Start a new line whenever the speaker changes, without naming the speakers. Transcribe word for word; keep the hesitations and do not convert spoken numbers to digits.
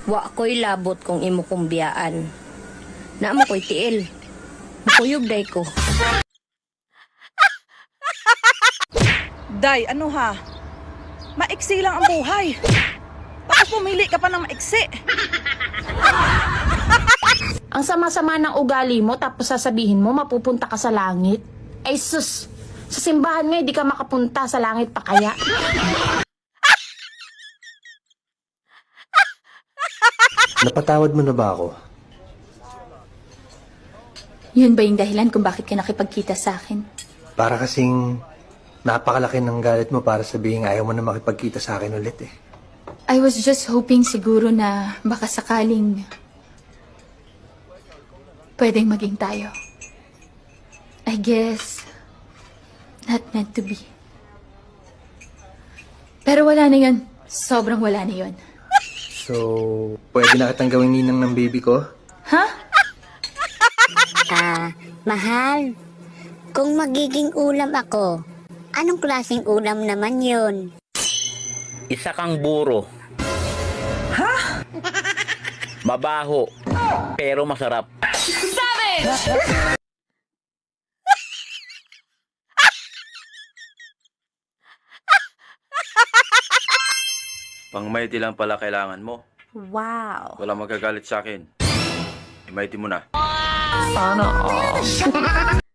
Wa ko'y labot kung imo kong biyaan. Naamo ko'y tiil. Mukuyog day ko.
Day, ano ha? Maiksi lang ang buhay. Tapos pumili ka pa ng maiksi.
Ang sama-sama ng ugali mo tapos sasabihin mo mapupunta ka sa langit? Ay sus, sa simbahan nga hindi ka makapunta, sa langit pa kaya?
Napatawad mo na ba ako?
Yun ba yung dahilan kung bakit ka nakipagkita sa akin?
Para kasing napakalaki ng galit mo para sabihin ayaw mo na makipagkita sa akin ulit eh.
I was just hoping siguro na baka sakaling pwedeng maging tayo. I guess not meant to be. Pero wala na yun. Sobrang wala na yun.
So, pwede na kitang gawing ninang ng baby ko?
Ha?
Ah, mahal. Kung magiging ulam ako, anong klaseng ulam naman yun?
Isa kang buro. Ha? Mabaho, pero masarap.
Pang mighty lang pala kailangan mo.
Wow.
Wala magagalit sa akin. I-mighty mo na.
Sana all.